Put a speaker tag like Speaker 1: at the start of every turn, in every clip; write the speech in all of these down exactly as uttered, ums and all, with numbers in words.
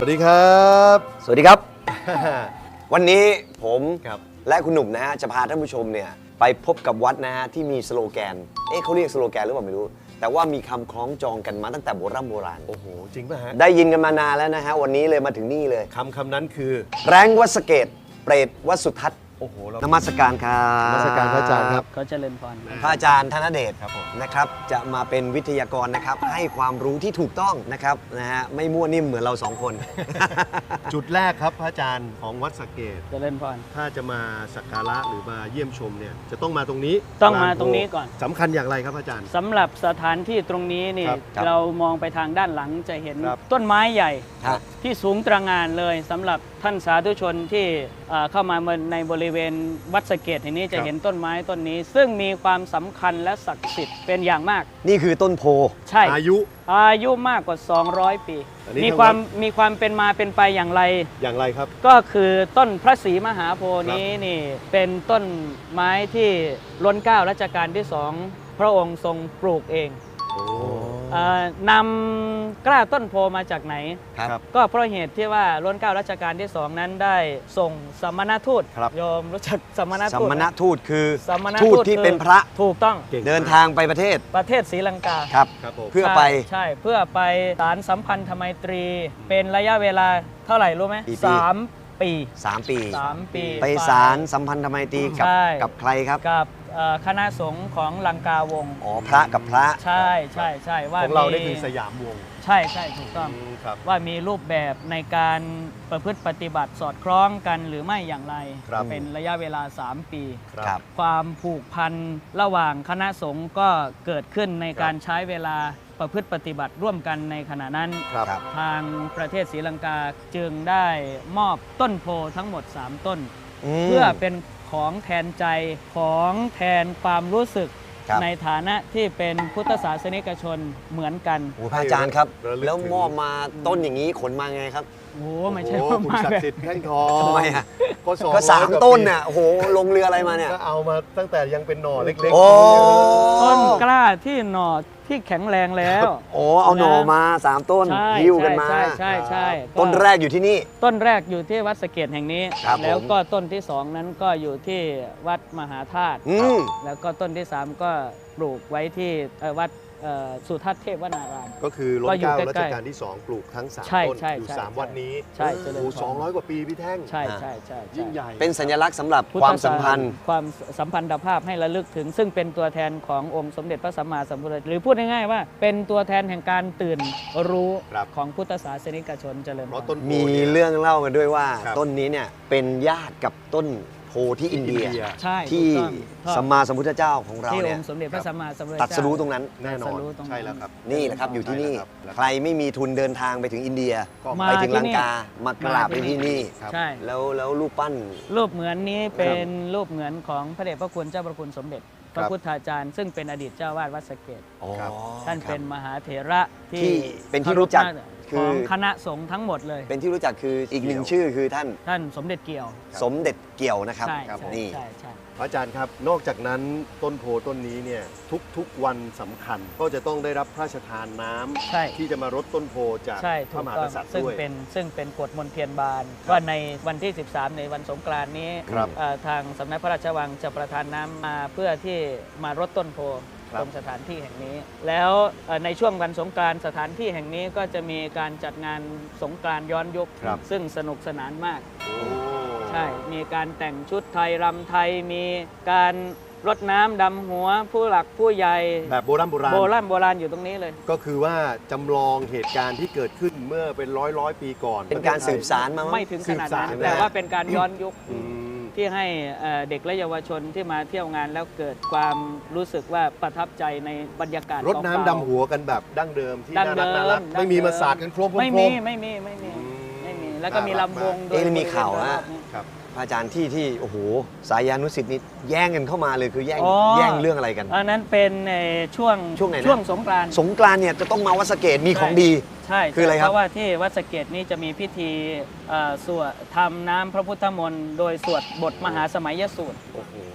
Speaker 1: สวัสดีครับ
Speaker 2: สวัสดีครับ วันนี้ผมและคุณหนุ่มนะฮะจะพาท่านผู้ชมเนี่ยไปพบกับวัดนะฮะที่มีสโลแกนเอ๊ะเขาเรียกสโลแกนหรือเปล่าไม่รู้แต่ว่ามีคำคล้องจองกันมาตั้งแต่โบราณโบราณ
Speaker 1: โอ้โหจริงป่ะฮะ
Speaker 2: ได้ยินกันมานานแล้วนะฮะวันนี้เลยมาถึงนี่เลย
Speaker 1: คำคำนั้นคือ
Speaker 2: แรงวัดสะเกตเปรตวัดสุทัศน์
Speaker 1: โอ้โห
Speaker 2: นมัสการครับ
Speaker 1: นมัสการพระอาจารย์ครับ
Speaker 3: เขาเจริญพร
Speaker 2: พระอาจารย์ธนเดชนะครับจะมาเป็นวิทยากรนะครับให้ความรู้ที่ถูกต้องนะครับนะฮะไม่มั่วนิ่มเหมือนเราสองคน
Speaker 1: จุดแรกครับพระอาจารย์ของวัดสะเกษ
Speaker 3: เจริญพร
Speaker 1: ถ้าจะมาสักการะหรือมาเยี่ยมชมเนี่ยจะต้องมาตรงนี้
Speaker 3: ต้องมาตรงนี้ก่อน
Speaker 1: สำคัญอย่างไรครับอาจารย์
Speaker 3: สำหรับสถานที่ตรงนี้นี่เรามองไปทางด้านหลังจะเห็นต้นไม้ใหญ่ที่สูงตระหง่านเลยสำหรับท่านสาธุชนที่เข้ามาในบริเวณวัดสะเกษแห่งนี้จะเห็นต้นไม้ต้นนี้ซึ่งมีความสำคัญและศักดิ์สิทธิ์เป็นอย่างมาก
Speaker 2: นี่คือต้นโพ
Speaker 3: ใช่
Speaker 1: อายุ
Speaker 3: อายุมากกว่าสองร้อยปีมีความมีความเป็นมาเป็นไปอย่างไร
Speaker 1: อย่างไรครับ
Speaker 3: ก็คือต้นพระศรีมหาโพธิ์นี้นี่เป็นต้นไม้ที่รัชกาลรัชกาลที่สองพระองค์ทรงปลูกเองนำกล้าต้นโพมาจากไหนก็เพราะเหตุที่ว่ารัชกาลรัชกาลที่สองนั้นได้ส่งสมณทูตโยมรู้จักสมณทูต
Speaker 2: สมณทูตคือ
Speaker 3: ทู
Speaker 2: ตที่เป็นพระ
Speaker 3: ถูกต้อง
Speaker 2: เดินทางไปประเทศ
Speaker 3: ประเทศศรีลังกา
Speaker 2: ครับเพื่อไป
Speaker 3: ใช่เพื่อไปสารสัมพันธไมตรีเป็นระยะเวลาเท่าไหร่รู้ไหมสามปี
Speaker 2: สามปี
Speaker 3: สามปี
Speaker 2: ไปสารสัมพันธไมตรีกับกับใครครับ
Speaker 3: กับคณะสงฆ์ของลังกาวงศ์
Speaker 2: อ๋อพระกับพระ
Speaker 3: ใช่ใช่ใช่ว่า
Speaker 1: ของเราได้คือสยามวงศ์
Speaker 3: ใช่ใช่ถูกต้องว่ามีรูปแบบในการประพฤติปฏิบัติสอดคล้องกันหรือไม่อย่างไรเป็นระยะเวลาสามปีความผูกพันระหว่างคณะสงฆ์ก็เกิดขึ้นในการใช้เวลาประพฤติปฏิบัติร่วมกันในขณะนั้นทางประเทศศรีลังกาจึงได้มอบต้นโพทั้งหมดสามต้นเพื่อเป็นของแทนใจของแทนความรู้สึกในฐานะที่เป็นพุทธศาสนิกชนเหมือนกัน
Speaker 2: โอ้พระอาจารย์ครับแล้วมอบมาต้นอย่างนี้ขนมาไงครับ
Speaker 3: โอ้ไม่ใช่ว่า
Speaker 1: มาศักดิ์สิทธิ์แท่งทอง
Speaker 2: ทำไมอ่ะก็สามต้นเนี่ยโอ้โหลงเรืออะไรมาเนี่ย
Speaker 1: ก็เอามาตั้งแต่ยังเป็นหน่อเล็ก
Speaker 3: ๆต้นกล้าที่หน่อที่แข็งแรงแล้ว
Speaker 2: โอ้เอาหน่อมาสามต้นหิ้วกันมา
Speaker 3: ใช่ใช่ใช่
Speaker 2: ต้นแรกอยู่ที่นี่
Speaker 3: ต้นแรกอยู่ที่วัดสะเกษแห่งนี้แล้วก็ต้นที่สองนั้นก็อยู่ที่วัดมหาธาตุแล้วก็ต้นที่สามก็ปลูกไว้ที่วัดสุทัศน์เทพวนาราม
Speaker 1: ก็คือรัชกาลรัชกาลที่สองปลูกทั้งสามต้นอยู่สามวัดนี้
Speaker 3: ใช่
Speaker 1: โอ้สองร้อยกว่าปีพี่แท่ง
Speaker 3: ใช่ใช่ใช่
Speaker 1: ยิ่งใหญ่
Speaker 2: เป็นสัญลักษณ์สำหรับความสัมพันธ์
Speaker 3: ความสัมพันธภาพให้ระลึกถึงซึ่งเป็นตัวแทนขององค์สมเด็จพระสัมมาสัมพุทธเจ้าหรือพูดง่ายๆว่าเป็นตัวแทนแห่งการตื่นรู้ของพุทธศาสนิกชนเจริญพร
Speaker 2: มีเรื่องเล่ากันด้วยว่าต้นนี้เนี่ยเป็นญาติกับต้นโพที่อินเดียที่สัมมาสัมพุทธเจ้าของเราเนี่ย
Speaker 3: ที่องค์สมเด็จพระสัมมาสัมพุทธเจ้า
Speaker 2: ตรัสรู้ตรงนั้น
Speaker 1: แน่นอนใช่แล้วครับ
Speaker 2: นี่แหละครับอยู่ที่นี่ใครไม่มีทุนเดินทางไปถึงอินเดียไปถึงลังกามากราบไปที่นี่แล้วแล้วรูปปั้น
Speaker 3: รูปเหมือนนี้เป็นรูปเหมือนของพระเดชพระคุณเจ้าพระคุณสมเด็จพระพุทธาจารย์ซึ่งเป็นอดีตเจ้าวาดวัดสะเกษท่านเป็นมหาเถระที่
Speaker 2: เป็นที่รู้จัก
Speaker 3: ของคณะสงฆ์ทั้งหมดเลย
Speaker 2: เป็นที่รู้จักคืออีกหนึ่งชื่อคือท่าน
Speaker 3: ท่านสมเด็จเกี่ยว
Speaker 2: สมเด็จเกี่ยวนะครับนี่
Speaker 1: พระอาจารย์ครับนอกจากนั้นต้นโพต้นนี้เนี่ยทุกๆวันสำคัญก็จะต้องได้รับพระราชทานน้ำที่จะมารดต้นโพจากพระมหากษัตริย์ด้วย
Speaker 3: ซึ่งเป็นซึ่งเป็นกฎมนเทียนบานว่าในวันที่สิบสามในวันสงกรานต์นี้ทางสำนักพระราชวังจะประทานน้ำมาเพื่อที่มารดต้นโพตรงสถานที่แห่งนี้แล้วในช่วงวันสงกรานต์สถานที่แห่งนี้ก็จะมีการจัดงานสงกรานต์ย้อนยุคซึ่งสนุกสนานมากใช่มีการแต่งชุดไทยรำไทยมีการรดน้ำดำหัวผู้หลักผู้ใหญ่
Speaker 1: แบบโบราณโบราณ
Speaker 3: โบราณโบราณอยู่ตรงนี้เลย
Speaker 1: ก็คือว่าจำลองเหตุการณ์ที่เกิดขึ้นเมื่อเป็นร้อยร้อยปีก่อน
Speaker 2: เป็นการสืบสานมา
Speaker 3: ไม่ถึงขนาดนั้นแต่ว่าเป็นการย้อนยุคที่ให้เด็กและเยาวชนที่มาเที่ยวงานแล้วเกิดความรู้สึกว่าประทับใจในบรรยากาศ
Speaker 1: รดน้ำดำหัวกันแบบดั้งเดิมที่น่ารักน่ารักไม่มีมาสาดกันโครม
Speaker 3: ไม่มีไม่มีไม่มีไม่มีแล้วก็มีลำวง
Speaker 2: โดยมีข่าวว่าพระอาจารย์ที่ที่โอ้โหสายานุศิษย์นี่แย่งกันเข้ามาเลยคือแย่งแย่งเรื่องอะไรกัน
Speaker 3: อันนั้นเป็นช่วง
Speaker 2: ช่วงไหน
Speaker 3: ช่วงสงกรานต์
Speaker 2: สงกรานต์เนี่ยจะต้องมาวัดสะเกษมีของดี
Speaker 3: ใช่
Speaker 2: คืออะไรครับ
Speaker 3: เพราะว่าที่วัดสะเกษนี้จะมีพิธีสวดทำน้ำพระพุทธมนต์โดยสวดบทมหาสมัยสูตร
Speaker 1: โอ้โหท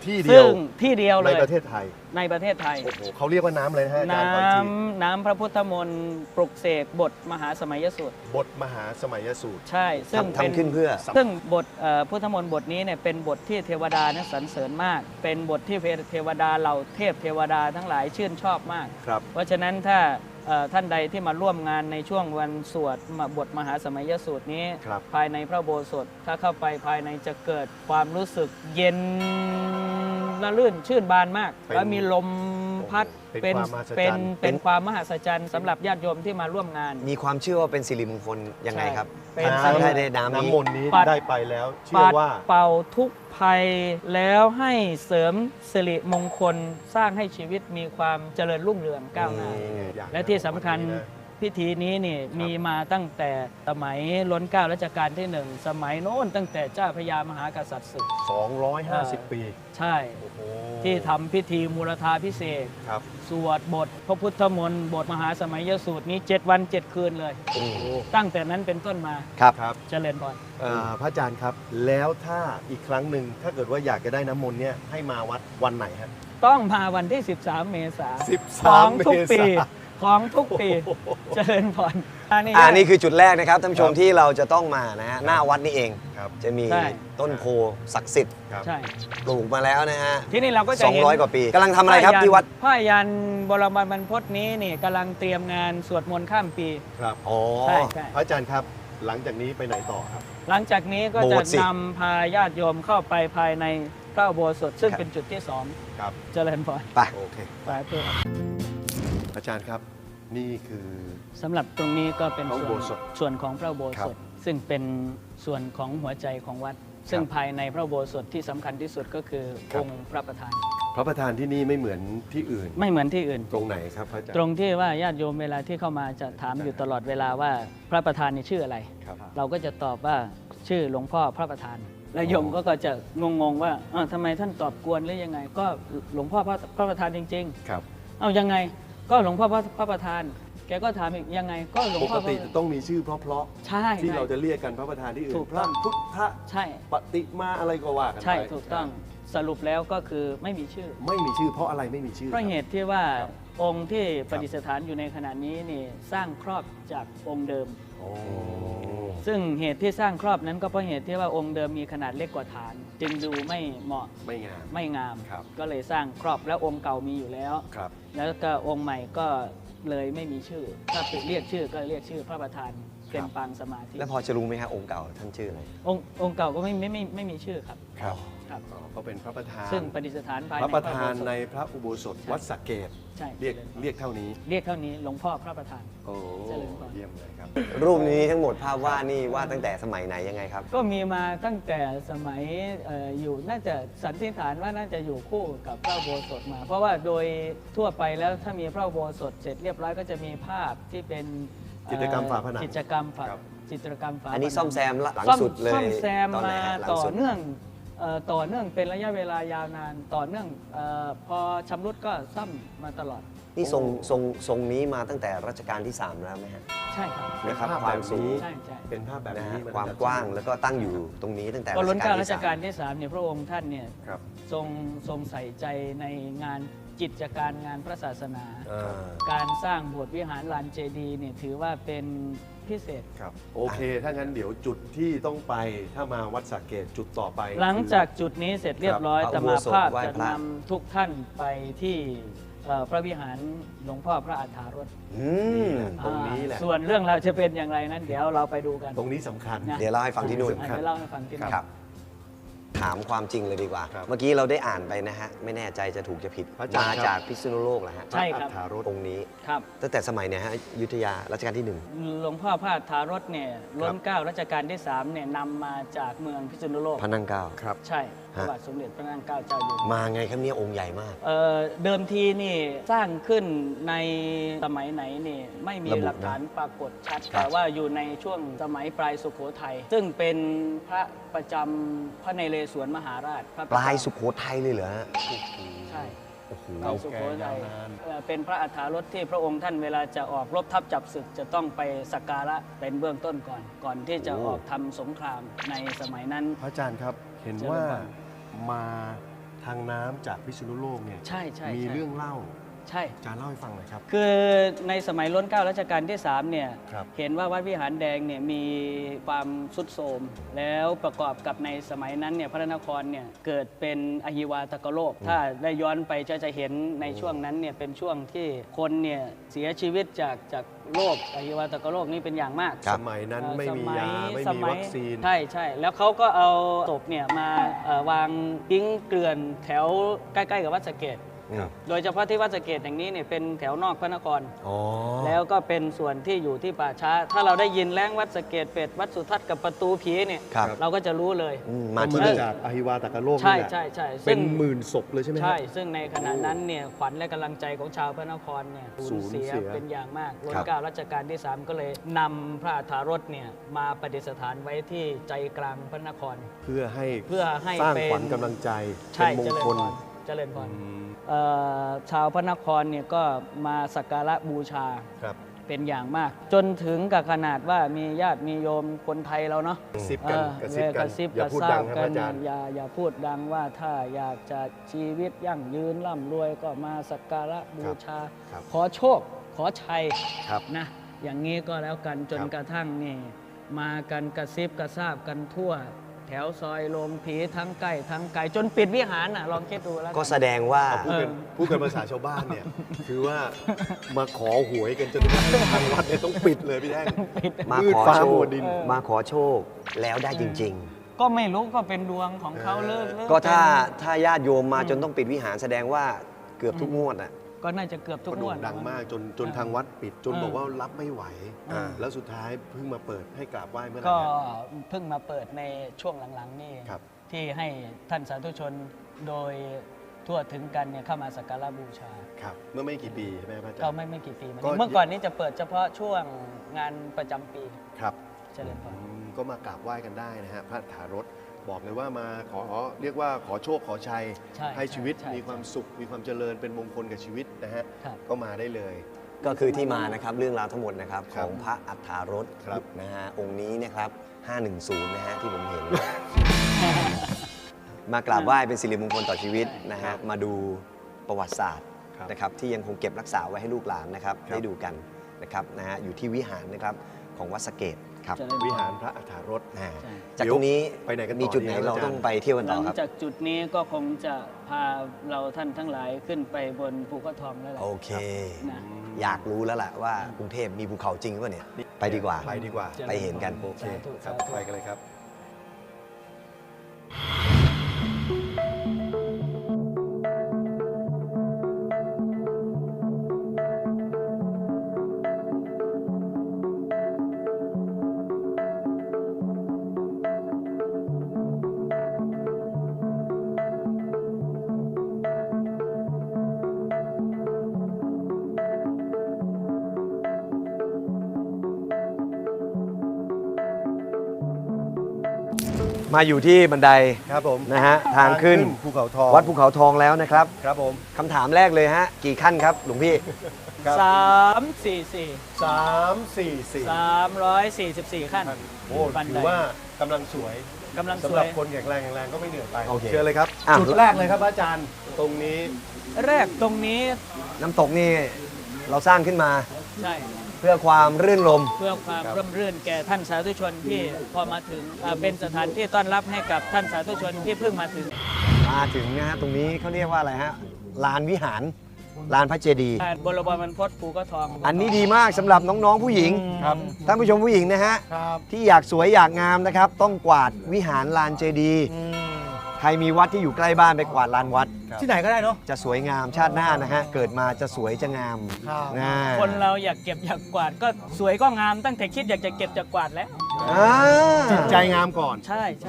Speaker 1: ที่เดี
Speaker 3: ซึ่
Speaker 1: ยว
Speaker 3: งที่เดียวเล
Speaker 1: ใน
Speaker 3: ย
Speaker 1: ประเทศไทย
Speaker 3: ในประเทศไทย
Speaker 1: โอ้โหเขาเรียกว่าน้ำเลยนะฮะอาจารย์
Speaker 3: น้
Speaker 1: ขออีกที
Speaker 3: ำน้ำพระพุทธมนต์ปลุกเสกบทมหาสมัยสูตร
Speaker 1: บทมหาสมัยสูตร
Speaker 3: ใช่ซึ่ง
Speaker 2: ทำทำขึ้นเพื่อ
Speaker 3: ซึ่งบทเอ่อพุทธมนต์บทนี้เนี่ยเป็นบทที่เทวดานั้นสรรเสริญมาก เป็นบทที่เทวดาเหล่าเทพเทวดาทั้งหลายชื่นชอบมาก
Speaker 1: ครับ
Speaker 3: เพราะฉะนั้นถ้าเอ่อท่านใดที่มาร่วมงานในช่วงวันสวดบทมหาสมัยสูตรนี้
Speaker 1: ครับ
Speaker 3: ภายในพระอุโบสถถ้าเข้าไปภายในจะเกิดความรู้สึกเย็นละลื่นชื่นบานมาก
Speaker 1: เป็น
Speaker 3: แล้วมีลมพัด
Speaker 1: เป็นความมหัศจรรย์
Speaker 3: เป็นเป็นความมหัศจรรย์สำหรับญาติโยมที่มาร่วมงาน
Speaker 2: มีความเชื่อว่าเป็นสิริมงคลยังไงครับ
Speaker 3: เป็น
Speaker 2: ท่านได้ได้น้ำนี้
Speaker 1: น้ำมนต์นี้
Speaker 3: ปัด
Speaker 1: ได้ไปแล้ว เชื่อ
Speaker 3: ปัด
Speaker 1: ว่า
Speaker 3: เป่าทุกภัยแล้วให้เสริมสิริมงคลสร้างให้ชีวิตมีความเจริญรุ่งเรืองก้าวหน้า
Speaker 1: อย่าง
Speaker 3: และที่สำคัญ
Speaker 1: วันนี้นะ
Speaker 3: พิธีนี้นี่มีมาตั้งแต่สมัยล้นเกล้ารัชกาลที่หนึ่งสมัยโน้นตั้งแต่เจ้าพระยามหากษัตริย์ศึก
Speaker 1: สองร้อยห้าสิบปี
Speaker 3: ใช่
Speaker 1: โอ้โห
Speaker 3: ที่ทำพิธีมูลธาพิเศษก
Speaker 1: ครับ
Speaker 3: สวดบทพระพุทธมนต์บทมหาสมัยสูตรนี้เจ็ดวันเจ็ดคืนเลย
Speaker 1: โอ้โห
Speaker 3: ตั้งแต่นั้นเป็นต้นมา
Speaker 2: ครับ
Speaker 1: ครับ
Speaker 3: เจริญพร
Speaker 1: อ่าพระอาจารย์ครับ แล้วถ้าอีกครั้งหนึ่งถ้าเกิดว่าอยากจะได้น้ำมนต์เนี่ยให้มาวัดวันไหนฮะ
Speaker 3: ต้องมาวันที่ สิบสาม เมษายน
Speaker 1: สิบสาม
Speaker 3: ของทุกปี
Speaker 1: เมษายน
Speaker 3: ของทุกปีเจริญพรอันนี้
Speaker 2: อ่านี่คือจุดแรกนะครับท่านผู้ชม
Speaker 1: ครับ
Speaker 2: ที่เราจะต้องมานะฮะหน้าวัดนี่เอง
Speaker 1: ครับ
Speaker 2: จะมี
Speaker 3: ใช่
Speaker 2: ต้นโพศักดิ์สิทธิ์
Speaker 1: ครับ
Speaker 3: ใช่
Speaker 2: ปลูกมาแล้วนะฮะ
Speaker 3: ที่นี่เราก็จะเห็น
Speaker 2: สองร้อยกว่าปีกำลังทำอะไรครับที่วัด
Speaker 3: ผ้ายันบรมบรรพตนี้นี่กำลังเตรียมงานสวดมนต์ข้ามปี
Speaker 1: ครับ
Speaker 2: อ๋อ
Speaker 3: ใช่ใช่
Speaker 1: พระอาจารย์ครับ หลังจากนี้ไปไหนต่อครับ
Speaker 3: หลังจากนี้ก็
Speaker 2: โบ
Speaker 3: จะ
Speaker 2: สถ์สิ
Speaker 3: นำพาญาติโยมเข้าไปภายในพระอุโบสถซึ่ง
Speaker 2: ครับ
Speaker 3: เป็นจุดที่สอง
Speaker 1: ครับ
Speaker 3: เจริญพร
Speaker 2: ไป
Speaker 1: โอเค
Speaker 3: สาธุ
Speaker 1: อาจารย์ครับ นี่คือ
Speaker 3: สำหรับตรงนี้ก็เป็น
Speaker 1: พระอุ
Speaker 3: ส่
Speaker 1: โบ
Speaker 3: วน
Speaker 1: สถ
Speaker 3: ส่วนของพระอุโบ
Speaker 1: ครั
Speaker 3: ส
Speaker 1: บ
Speaker 3: ถซึ่งเป็นส่วนของหัวใจของวัด ซึ่งภายในพระอุโบสถที่สำคัญที่สุดก็คือ
Speaker 1: ครับ
Speaker 3: องค์พระประธาน
Speaker 1: พระประธานที่นี่ไม่เหมือนที่อื่น
Speaker 3: ไม่เหมือนที่อื่น
Speaker 1: ตรงไหนครับพระอาจารย์
Speaker 3: ตรงที่ว่าญาติโยมเวลาที่เข้ามาจะถามอยู่ตลอดเวลาว่าพระประธานนี่ชื่ออะไร
Speaker 1: ครับ
Speaker 3: เราก็จะตอบว่าชื่อหลวงพ่อพระประธาน แล้วโยมก็จะงงๆว่าอ้าวทำไมท่านตอบกวนหรือยังไง ก็หลวงพ่อพระพระประธานจริง
Speaker 1: ครับ
Speaker 3: ๆ เอายังไงก็หลวงพ่อพระพระประธาน แกก็ถามอีกยังไง ก็หลวง
Speaker 1: ป
Speaker 3: พ่
Speaker 1: ก
Speaker 3: อพระ
Speaker 1: ติจะต้องมีชื่อเพราะ
Speaker 3: ใช่
Speaker 1: ๆที่
Speaker 3: ใช่
Speaker 1: เราจะเรียกกันพระประธานที่อื่
Speaker 3: ถู
Speaker 1: น
Speaker 3: ก
Speaker 1: พ
Speaker 3: ต้
Speaker 1: ระ
Speaker 3: อง
Speaker 1: พุทธ
Speaker 3: ใช่
Speaker 1: ปฏิมาอะไรก็ว่ากันไป
Speaker 3: ใช่ถูกต้องสรุปแล้วก็คือไม่มีชื่อ
Speaker 1: ไม่มีชื่อเพราะอะไรไม่มีชื่อ
Speaker 3: เพราะเห
Speaker 1: คบ
Speaker 3: ตุที่ว่า
Speaker 1: ครับ
Speaker 3: องค์ที่ประดิษฐานอยู่ในขณะนี้นี่สร้างครอบจากองค์เดิม
Speaker 1: โอ้
Speaker 3: ซึ่งเหตุที่สร้างครอบนั้นก็เพราะเหตุที่ว่าองค์เดิมมีขนาดเล็กกว่าฐาน จึงดูไม่เหมาะ
Speaker 1: ไม่งาม
Speaker 3: ไม่งาม
Speaker 1: ครับ
Speaker 3: ก็เลยสร้างครอบแล้วองค์เก่ามีอยู่แล้ว
Speaker 1: ครับ
Speaker 3: แล้วก็องค์ใหม่ก็เลยไม่มีชื่อ ถ้าเปเรียกชื่อก็เรียกชื่อพระประธานเป็นปางสมาธิ
Speaker 2: แล้วพอจะรู้ไหมฮะองค์เก่าท่านชื่ออะไร
Speaker 3: องค์องค์เก่าก็ไม่ไม่ไม่ไม่มีชื่อครับ
Speaker 1: ครับ
Speaker 3: ครับ
Speaker 1: อ๋อก็เป็นพระประธาน
Speaker 3: ซึ่งประดิษฐานภาย
Speaker 1: พ
Speaker 3: ใน
Speaker 1: ระประธาน
Speaker 3: อุโบสถ
Speaker 1: ในพระอุโบสถวัดสระเกต
Speaker 3: ใช่
Speaker 1: เรียกเรียกเท่านี้
Speaker 3: เรียกเท่านี้หลวงพ่อพระประธาน
Speaker 1: โอ้
Speaker 3: เจริญพร
Speaker 1: เยี่ยมเลยครับ
Speaker 2: รูปนี้ทั้งหมดภาพวาดนี่วาดตั้งแต่สมัยไหนยังไงครับ
Speaker 3: ก็มีมาตั้งแต่สมัยเอออยู่น่าจะสันนิษฐานว่าน่าจะอยู่คู่กับพระอุโบสถมา เพราะว่าโดยทั่วไปแล้วถ้ามีพระอุโบสถเสร็จเรียบร้อยก็จะมีภาพที่เป็นเอ่อ
Speaker 1: จิตรกรรมฝาผนัง
Speaker 3: กิจกรรมฝา
Speaker 1: ครับ
Speaker 3: จิตรกรรมฝา
Speaker 2: อันนี้
Speaker 3: ผง
Speaker 2: ซ่อมแซมหลัง
Speaker 3: ซ่อม
Speaker 2: สุดเลย
Speaker 3: ซ่อมแซม
Speaker 2: ตอนไหน
Speaker 3: มา
Speaker 2: ฮะหลัง
Speaker 3: ต่อ
Speaker 2: สุด
Speaker 3: เนื่องเอ่อต่อเนื่องเป็นระยะเวลายาวนาน ต่อเนื่องเออพอชำรุดก็ซ่อมมาตลอด
Speaker 2: นี่ทรงทรงทรงนี้มาตั้งแต่รัชกาลที่สามแล้วไหมฮะ
Speaker 3: ใช่ครับ
Speaker 1: เป็น
Speaker 2: นะครับ
Speaker 1: ภาพ
Speaker 2: ความ
Speaker 1: แบบ
Speaker 2: สูง
Speaker 1: นี้
Speaker 3: ใช่ใช่
Speaker 1: เป็นภาพแบบ
Speaker 2: นะ
Speaker 1: นี้
Speaker 2: ฮะ
Speaker 1: น
Speaker 2: ความกว้างแล้วก็ตั้งอยู่ตรงนี้ตั้งแต่
Speaker 3: ก็ล้นเกล้ารั
Speaker 2: รั
Speaker 3: ช
Speaker 2: ชกาล
Speaker 3: กาลที่สามเนี่ยพระองค์ท่านเนี่ย
Speaker 1: ครับ
Speaker 3: ทรงทรงใส่ใจในงานกิจการงานพระศาสนา
Speaker 1: อ่า
Speaker 3: การสร้างโบสถ์วิหารลานเจดีย์เนี่ยถือว่าเป็นพิเศษ
Speaker 1: ครับ โอเค ถ้างั้นเดี๋ยวจุดที่ต้องไปถ้ามาวัดสระเกตจุดต่อไป
Speaker 3: หลังจากจุดนี้เสร็จเรียบร้อย
Speaker 2: ครับ
Speaker 3: จะมาภาพ
Speaker 2: ไหว้
Speaker 3: จะ
Speaker 2: พระ
Speaker 3: นำทุกท่านไปที่เอ่อพระวิหารหลวงพ่อพระอาถารถ
Speaker 2: อืม
Speaker 1: ตรงนี้แหละ
Speaker 3: อ่าส่วนเรื่องเราวจะเป็นอย่างไรนั้น เดี๋ยวเราไปดูกัน
Speaker 1: ตรงนี้สำคัญ
Speaker 3: นะ
Speaker 2: เดี๋ยวเล่าให้ฟังที่นู่น
Speaker 3: อ่ะเดี๋ยวเล่าให้ฟังที่นู่น
Speaker 2: ครับ ถามความจริงเลยดีกว่า
Speaker 1: ครับ
Speaker 2: เมื่อกี้เราได้อ่านไปนะฮะ ไม่แน่ใจจะถูกจะผิด
Speaker 1: พระอาจารย์
Speaker 2: มา
Speaker 1: ครับ
Speaker 2: จากพิษณุโลกแหละฮะ
Speaker 3: ใช่ครับ
Speaker 1: พะอัฏฐารถ
Speaker 2: องค์นี้
Speaker 3: ครับ
Speaker 2: ตั้งแต่สมัยเนี่ยฮะอยุธยารัชกาลที่หนึ่ง
Speaker 3: หลวงพ่อพระอาถารถเนี่ยล้นเกล้ารัชกาลที่สามเนี่ยนำมาจากเมืองพิษณุโลก
Speaker 2: พระนั่งเกล้า
Speaker 1: ครับ
Speaker 3: ใช่พระบาทสมเด็จพระนางเกล้าเจ้าอยู่หัว
Speaker 2: มาไงครับเนี่ยองค์ใหญ่มาก
Speaker 3: เอ่อเดิมทีนี่สร้างขึ้นในสมัยไหนนี่ไม่มี
Speaker 2: ระบุ
Speaker 3: หลักฐานปรากฏชัด
Speaker 2: ครับ
Speaker 3: แต่ว่าอยู่ในช่วงสมัยปลายสุโขทัยซึ่งเป็นพระประจำพระนเรศวรมหาราชพระ
Speaker 2: ปลายสุโขทัยเลยเหรอฮะ
Speaker 3: ใช่
Speaker 2: โอ้โห
Speaker 3: ปลายสุโขทัย
Speaker 1: เก่ายาวนาน
Speaker 3: เอ่อเป็นพระอัฐารถที่พระองค์ท่านเวลาจะออกรบทัพจับศึกจะต้องไปสักการะเป็นเบื้องต้นก่อน ก่อนที่จะ
Speaker 2: โอ้
Speaker 3: ออกทำสงครามในสมัยนั้น
Speaker 1: พระอาจารย์ครับ เห็น
Speaker 3: เจริญ
Speaker 1: ว่า
Speaker 3: พร
Speaker 1: มาททางน้ำจากพิษณุโลกเนี่ย
Speaker 3: ใช่ใช่
Speaker 1: มี
Speaker 3: ใช่
Speaker 1: เรื่องเล่า
Speaker 3: ใช่
Speaker 1: อาจารย์เล่าให้ฟังหน่อยครับ
Speaker 3: คือในสมัยรัชกาลรัชกาลที่สามเนี่ย
Speaker 1: ครับ
Speaker 3: เห็นว่าวัดวิหารแดงเนี่ยมีความทรุดโทรมแล้วประกอบกับในสมัยนั้นเนี่ยพระนครเนี่ยเกิดเป็นอหิวาตกโรคถ้าได้ย้อนไปจะจะเห็นในช่วงนั้นเนี่ยเป็นช่วงที่คนเนี่ยเสียชีวิตจากจากโรคอหิวาตกโรคนี่เป็นอย่างมาก
Speaker 1: สมัยนั้นไม่มียาไม่
Speaker 3: ส
Speaker 1: มี
Speaker 3: มัย
Speaker 1: วัคซีน
Speaker 3: ใช่ใช่แล้วเขาก็เอาศพเนี่ยมาเอ่อวางทิ้งเกลื่อนแถวใกล้ๆกับวัดสะเกษ
Speaker 1: ครับ
Speaker 3: โดยเฉพาะที่วัดสะเกษแห่งนี้เนี่ยเป็นแถวนอกพระนคร
Speaker 2: อ๋อ
Speaker 3: แล้วก็เป็นส่วนที่อยู่ที่ป่าช้า ถ้าเราได้ยินแล้งวัดสะเกษเป็ดวัดสุทัศน์กับประตูผีเนี่ย
Speaker 2: ครับ
Speaker 3: เราก็จะรู้เลย
Speaker 2: อืมมา
Speaker 1: ก็
Speaker 2: ที่
Speaker 1: มา
Speaker 2: นี่
Speaker 1: จากอหิวาตกโรค
Speaker 3: ใช่
Speaker 1: นี่แหละ
Speaker 3: ใช่ใช่
Speaker 1: เป็นหมื่นศพเลยใช่ไหมครับ
Speaker 3: ใช่ ซึ่งในขณะนั้นเนี่ยขวัญและกำลังใจของชาวพระนครเนี่ย
Speaker 1: สู
Speaker 3: สู
Speaker 1: ญ
Speaker 3: ญ
Speaker 1: เสี
Speaker 3: เสี
Speaker 1: ย
Speaker 3: ยเป็นอย่างมากรัช
Speaker 2: ครับ
Speaker 3: กาลรัชกาลที่สามก็เลยนำพระอัฏฐารถเนี่ยมาประดิษฐานไว้ที่ใจกลางพระนคร
Speaker 1: เพื่อให้
Speaker 3: เพื่อให้
Speaker 1: สร้าง
Speaker 3: เป็น
Speaker 1: ขวัญกำลังใจ
Speaker 3: ใช่
Speaker 1: เป็นมง
Speaker 3: เจริญ
Speaker 1: ค
Speaker 3: พ
Speaker 1: ล
Speaker 3: รเจริญพร
Speaker 1: อืม
Speaker 3: เอ่อชาวพระนครเนี่ยก็มาสักการะบูชา
Speaker 1: ครับ
Speaker 3: เป็นอย่างมาก จนถึงกับขนาดว่ามีญาติมีโยมคนไทยเราเนาะ
Speaker 1: กระซิบกัน
Speaker 3: เออก
Speaker 1: ระซิบ
Speaker 3: ก
Speaker 1: กัน
Speaker 3: ระซิบ
Speaker 1: อย่าพูด
Speaker 3: กระซา
Speaker 1: ดั
Speaker 3: บ
Speaker 1: งครับ
Speaker 3: กั
Speaker 1: อาจารย์
Speaker 3: อย่าอย่าพูดดังว่าถ้าอยากจะชีวิตยั่งยืนร่ำรวยก็มาสักการะบูชา
Speaker 1: ครับ
Speaker 3: ขอโชค ขอชัย
Speaker 1: ครับ
Speaker 3: นะอย่างนี้ก็แล้วกันจน
Speaker 1: ครับ
Speaker 3: กระทั่งนี่มากันกระซิบกระซาบกันทั่ว แถวซอยโรงผีทั้งใกล้ทั้งไกลจนปิดวิหารน่ะลองคิดดูแล้วน
Speaker 2: ก็แสดงว่า
Speaker 1: พูดกัน
Speaker 3: เออ
Speaker 1: พูดกันภาษาชาวบ้านเนี่ย คือว่ามาขอหวยกันจนทางวัดเนี่ยต้องปิดเลยพี่แท่ง
Speaker 2: มา
Speaker 1: มืด
Speaker 2: ขอ
Speaker 1: ฟ้า
Speaker 2: โช
Speaker 1: มั
Speaker 2: ค
Speaker 1: วดิน
Speaker 2: มาขอโชคแล้วได้จริง
Speaker 3: ก็ไม่รู้ก็เป็นดวงของเขาเลิกเลิ
Speaker 2: ๆ ก็ถ้า
Speaker 3: เป็น
Speaker 2: ถ้าญาติโยมมาจนต้องปิดวิหารแสดงว่าเกือบทุกงวดอ่ะ
Speaker 3: ก็น่าจะเกือบทุก
Speaker 1: ก็
Speaker 3: ง
Speaker 1: โด่
Speaker 3: วด
Speaker 1: งดังมากจนจน
Speaker 3: เออ
Speaker 1: ทางวัดปิด จน
Speaker 3: เออ
Speaker 1: บอกว่ารับไม่ไหว
Speaker 3: อ่า
Speaker 1: แล้วสุดท้ายเพิ่งมาเปิดให้กราบไหว้เมื่อไหร่
Speaker 3: ก็
Speaker 1: ครับ
Speaker 3: เพิ่งมาเปิดในช่วงหลังๆนี่
Speaker 1: ครับ
Speaker 3: ที่ให้ท่านสาธุชนโดยทั่วถึงกันเนี่ยเข้ามาสักการะบูชา
Speaker 1: ครับ เมื่อไม่กี่ปีใช่ไหมครับอาจาร
Speaker 3: ก็
Speaker 1: ย์
Speaker 3: ไม่ไม่กี่ปีมา
Speaker 1: ก็
Speaker 3: นี้เมื่อก่อนนี้จะเปิดเฉพาะช่วงงานประจำปี
Speaker 1: ครับ
Speaker 3: เจริญพร
Speaker 1: อืมก็มากราบไหว้กันได้นะฮะพระถารถบอกเลยว่ามาขอเรียกว่าขอโชคขอชัย
Speaker 3: ใช่
Speaker 1: ให้ชีวิต
Speaker 3: ใช่
Speaker 1: มีความสุข มีความเจริญเป็นมงคลกับชีวิตนะฮะ
Speaker 3: ครับ
Speaker 1: ก็มาได้เลย
Speaker 2: ก็คือที่มานะครับเรื่องราวทั้งหมดนะครับ
Speaker 1: ค
Speaker 2: ข
Speaker 1: รับ
Speaker 2: องพระอัฏฐารถ
Speaker 1: ครับ
Speaker 2: นะฮะองค์นี้นะครับห้าหนึ่งศูนย์นะฮะที่ผมเห็น มากราบไหว้เป็นสิริมงคลต่อชีวิตนะฮะมาดูประวัติศาสตร์
Speaker 1: ครับ
Speaker 2: นะครับที่ยังคงเก็บรักษาไว้ให้ลูกหลานนะครับ
Speaker 1: ครับ
Speaker 2: ได้ดูกันนะครับนะฮะอยู่ที่วิหารนะครับของวัดสะเกษครับ
Speaker 3: เจริญพ
Speaker 1: วิหารพระอัฏฐารถ
Speaker 2: อ่า
Speaker 3: ใช่
Speaker 2: จากตรงนี้
Speaker 1: ไปไหนกันต่อ
Speaker 2: มีจุดไหน
Speaker 1: ดีครับ
Speaker 2: เรา
Speaker 1: อาจารย์
Speaker 2: ต้องไปเที่ยวกัน
Speaker 3: ห
Speaker 2: ต่
Speaker 3: ลั
Speaker 2: อง ครับ
Speaker 3: จากจุดนี้ก็คงจะพาเราท่านทั้งหลายขึ้นไปบนภูเขาทองแล้วแหละ
Speaker 2: โอเค
Speaker 3: นะ
Speaker 2: อยากรู้แล้วล่ะว่ากรุงเทพมีภูเขาจริงหรือเปล่าเนี่ยไปดีกว่า
Speaker 1: ไปดีกว่า
Speaker 2: ไปเห็นกัน
Speaker 1: โอเค
Speaker 3: สาธุ
Speaker 1: ครับ
Speaker 3: สาธุ
Speaker 1: ไปกันเลยครับ
Speaker 2: มาอยู่ที่บันได
Speaker 1: ครับผม
Speaker 2: นะฮะทางขึ้น
Speaker 1: ภูเขาทอง
Speaker 2: วัดภูเขาทองแล้วนะครับ
Speaker 1: ครับผม
Speaker 2: คำถามแรกเลยฮะกี่ขั้นครับหลวงพี่
Speaker 1: ครับ
Speaker 3: สามสี่สี่
Speaker 1: สามสี่สี่
Speaker 3: สามร้อยสี่สิบสี่ขั้น
Speaker 1: โอ้
Speaker 3: บัน
Speaker 1: ถื
Speaker 3: ได
Speaker 1: อว่ากำลังสวย
Speaker 3: กำลังส
Speaker 1: สำห
Speaker 3: ว
Speaker 1: รับ
Speaker 3: ย
Speaker 1: คนแข็งแรงแข็งแรงก็ไม่เหนื่อยไป
Speaker 2: โอเค
Speaker 1: เชิญเลยครับ
Speaker 2: อ่ะ
Speaker 1: จุดแรกเลยครับอาจารย์ ตรงนี้
Speaker 3: แรกตรงนี้
Speaker 2: น้ำตกนี่เราสร้างขึ้นมา
Speaker 3: ใช่
Speaker 2: เพื่อความรื่นรม
Speaker 3: เพื่อความ
Speaker 1: ครับ
Speaker 3: ร่มรื่นแก่ท่านสาธุชนที่พอมาถึงอ่าเป็นสถานที่ต้อนรับให้กับท่านสาธุชนที่เพิ่งมาถึง
Speaker 2: มาถึงนะฮะตรงนี้เขาเรียกว่าอะไรฮะลานวิหารลานพระเจดีย์
Speaker 3: อ่าบรมบรรพตภูก็ทอง
Speaker 2: อันนี้ดีมากสำหรับน้องๆผู้หญิง
Speaker 1: ครับ
Speaker 2: ท่านผู้ชมผู้หญิงนะฮะ
Speaker 1: ครับ
Speaker 2: ที่อยากสวยอยากงามนะครับ ต้องกวาดวิหารลานเจดีย์ใครมีวัดที่อยู่ใกล้บ้านไปกวาดลานวัด
Speaker 1: ที่ไหนก็ได้เนาะ
Speaker 2: จะสวยงามชาติหน้านะฮะเกิดมาจะสวยจะงาม
Speaker 1: ครับ
Speaker 2: นะ
Speaker 3: คนเราอยากเก็บอยากกวาดก็สวยก็งามตั้งแต่คิดอยากจะเก็บจะกวาดแล้ว
Speaker 2: อ่า
Speaker 1: จิตใจงามก่อน
Speaker 3: ใช่ใช่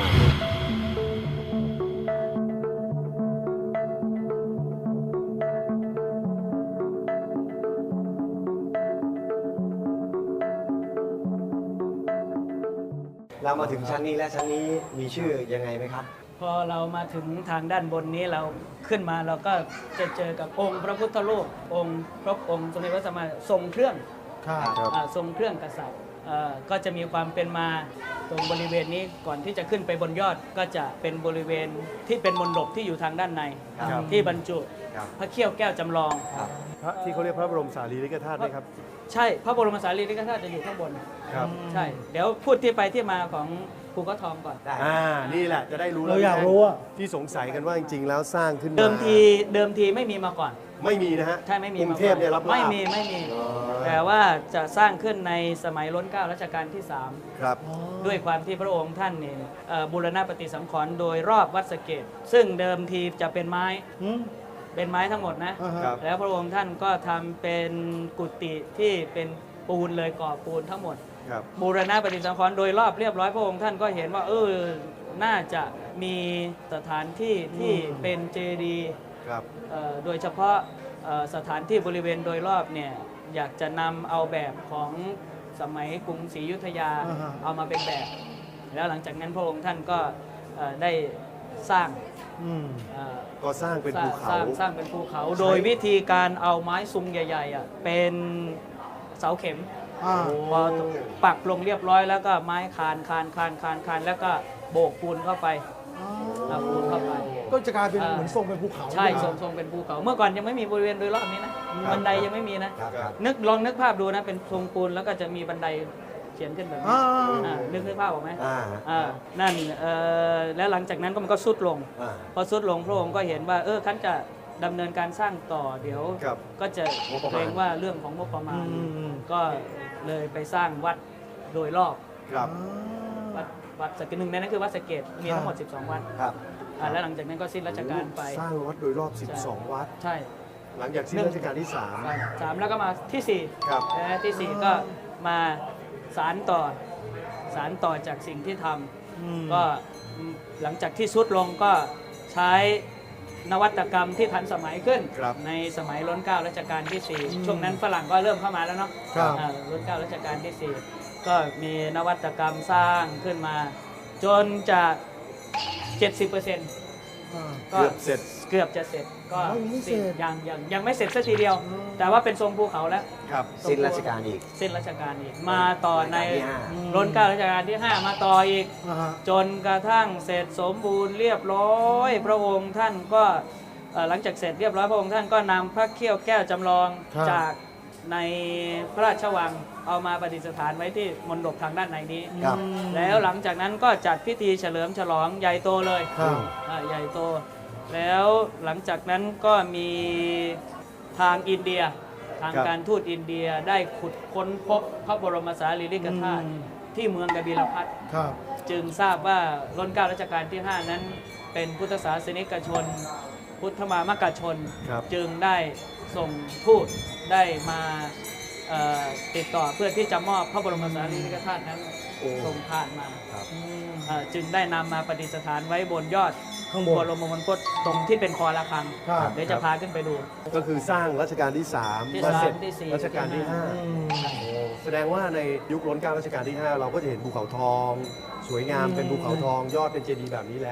Speaker 2: เรามาถึงชั้นนี้และชั้นนี้มีชื่อยังไงไหมครับ
Speaker 3: พอเรามาถึงทางด้านบนนี้เราขึ้นมาเราก็จะเจอกับองค์พระพุทธรูปองค์พระองค์สมเด็จพระสัมมาทรงเครื่อง
Speaker 1: ครับ
Speaker 3: อ่าทรงเครื่องกษัตริย์เอ่อก็จะมีความเป็นมาตรงบริเวณนี้ก่อนที่จะขึ้นไปบนยอดก็จะเป็นบริเวณที่เป็นมณฑปที่อยู่ทางด้านใน
Speaker 1: ครับ
Speaker 3: ที่บรรจุ
Speaker 1: ครับ
Speaker 3: พระเขี้ยวแก้วจำลอง
Speaker 1: พระที่เขาเรียกพระบรมสารีริกธาตุไหมครับ
Speaker 3: ใช่พระบรมสารีริกธาตุจะอยู่ข้างบน
Speaker 1: ครับ
Speaker 3: ใช่ เดี๋ยวพูดที่ไปที่มาของภูเขาทองก่อน
Speaker 1: อ่า นี่แหละจะได้รู้
Speaker 4: เราอยากรู้อะ
Speaker 1: ที่สงสัยกันว่าจริงๆ แล้วสร้างขึ้นมา
Speaker 3: เดิมทีเดิมทีไม่มีมาก่อน
Speaker 1: ไม่มีนะฮะ
Speaker 3: ใช่ไม่มี
Speaker 1: กรุงเทพเนี่ยรับ
Speaker 3: ไม่มีไม่มี แต่ว่าจะสร้างขึ้นในสมัยล้นเกล้ารัชกาลที่สาม
Speaker 1: ครับ
Speaker 3: ด้วยความที่พระองค์ท่านเนี่ยเอ่อบูรณะปฏิสังขรณ์โดยรอบวัดสะเกดซึ่งเดิมทีจะเป็นไม้
Speaker 4: อืม
Speaker 3: เป็นไม้ทั้งหมดนะ
Speaker 4: อ่าฮะ
Speaker 1: ครับ
Speaker 3: แล้วพระองค์ท่านก็ทำเป็นกุฏิที่เป็นปูนเลยก่อปูนทั้งหมด
Speaker 1: ครับ
Speaker 3: บูรณะปฏิสังขรณ์โดยรอบเรียบร้อยพระองค์ท่านก็เห็นว่าเออน่าจะมีสถานที่ที่เป็นเจดีย์
Speaker 1: ครับ
Speaker 3: เอ่อโดยเฉพาะเอ่อสถานที่บริเวณโดยรอบเนี่ยอยากจะนำเอาแบบของสมัยกรุงศรีอยุธยา
Speaker 4: อ่าฮะ
Speaker 3: เอามาเป็นแบบ แล้วหลังจากนั้นพระองค์ท่านก็เอ่อได้สร้าง
Speaker 4: อืม
Speaker 3: เอ่อ
Speaker 1: ก็สร้างเป็นภู
Speaker 3: ส
Speaker 1: เขา
Speaker 3: ร้างสร้างเป็นภูเขา โดยวิธีการเอาไม้ซุงใหญ่ๆอ่ะเป็นเสาเข็ม
Speaker 4: อ่า
Speaker 3: พอปักลงเรียบร้อยแล้วก็ไม้คานคานคานคานคานแล้วก็โบกปูนเข้าไปเอาปูนเข้าไป
Speaker 4: ก็จะกลายเป็น
Speaker 3: อ่า
Speaker 4: เหมือนทรงเป็นภูเขา
Speaker 3: ใช่
Speaker 4: ไหม
Speaker 3: ทรงทรงเป็นภูเขา เมื่อก่อนยังไม่มีบริเวณโดยรอบนี้นะบันไดยังไม่มีนะ
Speaker 2: ครับครับ
Speaker 3: นึกลองนึกภาพดูนะเป็นทรงปูนแล้วก็จะมีบันไดเขียนขึ้นแบบนี้
Speaker 4: อ่า
Speaker 3: อ่านึกนึกภาพออกไหม
Speaker 2: อ่า
Speaker 3: อ่านั่นเอ่อแล้วหลังจากนั้นก็มันก็สุดลง
Speaker 2: อ่า
Speaker 3: พอสุดลงพระองค์ก็เห็นว่าเออขั้นจะดำเนินการสร้างต่อเดี๋ยว
Speaker 1: ครับ
Speaker 3: ก็จะ
Speaker 1: งบประมาณ
Speaker 3: เกรงว่าเรื่องของงบประมาณ
Speaker 4: อืม
Speaker 3: ก็เลยไปสร้างวัดโดยรอบ
Speaker 1: ครับ
Speaker 3: วัดวัดสะเกดหนึ่งในนั้นคือวัดสะเกดมีทั้งหมด สิบสอง วัด
Speaker 2: ครับ
Speaker 3: อ่าแล้วหลังจากนั้นก็สิ้นราชการไป
Speaker 1: สร้างวัดโดยรอบ สิบสอง วัด
Speaker 3: ใช่
Speaker 1: หลังจากสิ้นรัชกาลที่สาม
Speaker 3: สามแล้วก็มาที่สี่
Speaker 1: ครับ
Speaker 3: และที่สี่ก็มาสารต่อสารต่อจากสิ่งที่ท
Speaker 4: อืม
Speaker 3: ำก็หลังจากที่สุดลงก็ใช้นวัตกรรมที่ทันสมัยขึ้น
Speaker 1: ครับ
Speaker 3: ในสมัยล้นเกล้ารัชกาลที่สี่ช่วงนั้นฝรั่งก็เริ่มเข้ามาแล้วเนาะ
Speaker 4: ครับ
Speaker 3: อ่าล้นเกล้ารัชกาลที่สี่ก็มีนวัตกรรมสร้างขึ้นมา จนจะ เจ็ดสิบเปอร์เซ็นต์
Speaker 4: อ่า
Speaker 3: ก็
Speaker 1: เกือบเสร็จ
Speaker 3: เกือบจะเสร็จก็
Speaker 4: อ๋อยังไม่เสร็จ
Speaker 3: ยังยังยังไม่เสร็จสักทีเดียว แต่ว่าเป็นทรงภูเขาแล้ว
Speaker 1: ครับ
Speaker 2: สิ้นราชการอีก
Speaker 3: สิ้นรัชกาลอีกมาต่อใน
Speaker 2: รัชกาลที่ห้า
Speaker 3: ล้นเกล้ารัชกาลที่ ห้า มาต่ออีก
Speaker 4: อ่าฮะ
Speaker 3: จนกระทั่งเสร็จสมบูรณ์เรียบร้อย พระองค์ท่านก็เอ่อหลังจากเสร็จเรียบร้อยพระองค์ท่านก็นำพระเขี้ยวแก้วจำลองจากในพระราชวังเอามาประดิษฐานไว้ที่มณฑปทางด้านในนี้
Speaker 2: ครับ
Speaker 3: แล้วหลังจากนั้นก็จัดพิธีเฉลิมฉลองใหญ่โตเลย
Speaker 4: ครับ
Speaker 3: อ่าใหญ่โต แล้วหลังจากนั้นก็มีทางอินเดีย ทาง
Speaker 1: ครับ
Speaker 3: การทูตอินเดียได้ขุดค้นพบพระบรมสารีริกธาตุ
Speaker 4: อืม
Speaker 3: ที่เมืองกบิลพัท
Speaker 4: ครับ
Speaker 3: จึงทราบว่ารัชกาลรัชกาลที่ ห้า นั้นเป็นพุทธศาสนิกชน พุทธมามกชน
Speaker 1: ครับ
Speaker 3: จึงได้ส่งทูตได้มาเอ่อติดต่อเพื่อที่จะมอบพระบรมสารีริกธาตุนั้น
Speaker 1: โอ้
Speaker 3: ส่งผ่านมา
Speaker 1: ครับ
Speaker 4: อืม
Speaker 3: เอ่อจึงได้นำมาประดิษฐานไว้บนยอด
Speaker 4: ข้างบน
Speaker 3: บรมมงคลตรงที่เป็นคอระฆัง
Speaker 4: ครับ
Speaker 3: เดี๋ยวจะพาขึ้นไปดู
Speaker 1: ก็คือสร้างรัชกาลที่สาม
Speaker 3: ที่
Speaker 1: มาเสร็จ
Speaker 3: สามที่สี่
Speaker 1: รัชกาลที่ห้า
Speaker 4: อืม
Speaker 1: โอ้แสดงว่าในยุคล้นเกล้ารัชกาลที่ ห้า เราก็จะเห็นภูเขาทอง สวยงาม
Speaker 4: อืม
Speaker 1: เป็นภูเขาทองยอดเป็นเจดีย์แบบนี้แล้ว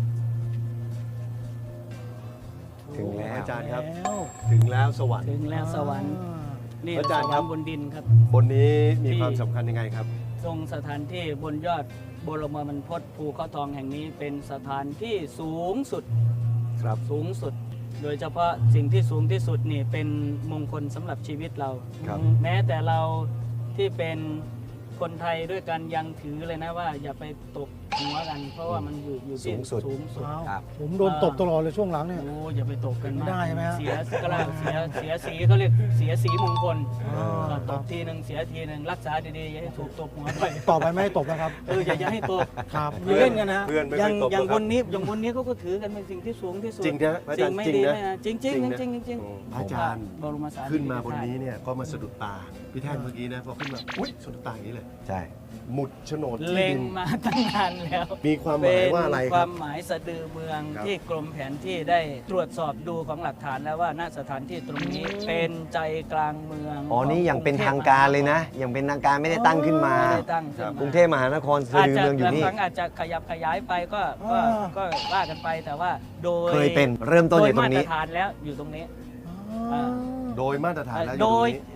Speaker 2: ถึงแล้ว
Speaker 1: อาจารย์ครับ
Speaker 4: แล้ว
Speaker 1: ถึงแล้วสวรรค์
Speaker 3: ถึงแล้วสวรรค์
Speaker 4: อ่า
Speaker 3: นี่
Speaker 1: อา
Speaker 3: ส
Speaker 1: จารย์
Speaker 3: ว
Speaker 1: ค
Speaker 3: ร
Speaker 1: รั
Speaker 3: ร
Speaker 1: บ
Speaker 3: ค์บนดินครับ
Speaker 1: บนนี้มี
Speaker 3: ที่
Speaker 1: ความสำคัญยังไงครับ
Speaker 3: ทรงสถานที่บนยอดบรมมงคลภูเขาทองแห่งนี้เป็นสถานที่สูงสุด
Speaker 1: ครับ
Speaker 3: สูงสุด โดยเฉพาะสิ่งที่สูงที่สุดนี่เป็นมงคลสำหรับชีวิตเรา
Speaker 1: ครับ
Speaker 3: แม้แต่เราที่เป็นคนไทยด้วยกันยังถือเลยนะว่า อย่าไปตกหัวกัน เพราะว่ามันอยู่อยู่ที่
Speaker 2: สูงสุด
Speaker 3: สูงสุด
Speaker 4: อ้าว
Speaker 2: ครับ
Speaker 4: ผมโดนตบตลอดเลยช่วงหลังเนี่ย
Speaker 3: โอ้อย่าไปตกกัน
Speaker 4: ไม่ได้ใช่ไหมฮะ
Speaker 3: เสียกระเสียเสียสีเขาเรียกเสียสีมงคล
Speaker 4: อ่า
Speaker 3: ก็ตบทีหนึ่งเสียทีหนึ่งรักษาดีๆอย่าให้ถูกตบหัวไป
Speaker 4: ต่อไปไม่ให้ตบนะครับ
Speaker 3: เอออย่าอย่าให้ตก
Speaker 4: ครับ
Speaker 3: อย่าเล่นกันนะ
Speaker 1: เพื่อนไม่
Speaker 3: อย่า
Speaker 1: ค่
Speaker 3: ง
Speaker 1: อยตบ
Speaker 3: อย่าง
Speaker 1: หรอกครับ
Speaker 3: คนนี้อย่างคนนี้เขาก็ถือกันเป็นสิ่งที่สูงที่สุด
Speaker 1: จริงนะอาจารย์
Speaker 3: สิ่งไม่
Speaker 1: จริง
Speaker 3: ดี
Speaker 1: นะ
Speaker 3: ไม่นะจริงจริง
Speaker 1: จริงนะ
Speaker 3: จริงจริงจริง
Speaker 1: โอ้อาจารย์
Speaker 3: บรมสารี
Speaker 1: ขึ้นมาบน
Speaker 3: ริกธตุ
Speaker 1: นี้เนี่ยก็มาสะดุดตา พี่แท่นเมื่อกี้นะพอขึ้นมา อุ้ยสะดุดตาอย่างนี้เลย
Speaker 2: ใช่
Speaker 1: หมุดโฉนดที่
Speaker 3: เล็ง
Speaker 1: ดิน
Speaker 3: มาตั้งนานแล้ว
Speaker 1: มีความหมายว่าอะไร
Speaker 3: เป็น
Speaker 1: ค
Speaker 3: ค
Speaker 1: รั
Speaker 3: วา
Speaker 1: บ
Speaker 3: มหมายสะดือเมือง
Speaker 1: ครับ
Speaker 3: ที่กรมแผนที่ได้ตรวจสอบดูของหลักฐานแล้วว่าณสถานที่ตรงนี้เป็นใจกลางเมือง
Speaker 2: อ๋อ นี่อย่างเป็นทางการเลยนะ อย่างเป็นทางการไม่ได้ตั้งขึ้นมา
Speaker 3: ไม่ได้ตั้งขึ้นมาก
Speaker 2: รุงเทพมหานครสะ
Speaker 3: อาจ
Speaker 2: ดือ
Speaker 3: จะ
Speaker 2: เมืองอยู่นี่
Speaker 3: บางครั้งอาจจะขยับขยายไปก็ก็
Speaker 4: อ่า
Speaker 3: ก็ว่ากันไปแต่ว่าโดย
Speaker 2: เคยเป็นเริ่มต้น
Speaker 3: โด
Speaker 2: อย ยู่ตร
Speaker 3: มาง ตร
Speaker 2: นี้
Speaker 3: ฐานแล้วอยู่ตรงนี้
Speaker 4: อ่า
Speaker 1: โดยมาตรฐานแล้วอ
Speaker 3: โด
Speaker 1: ยู่ตรง
Speaker 3: ย
Speaker 1: นี้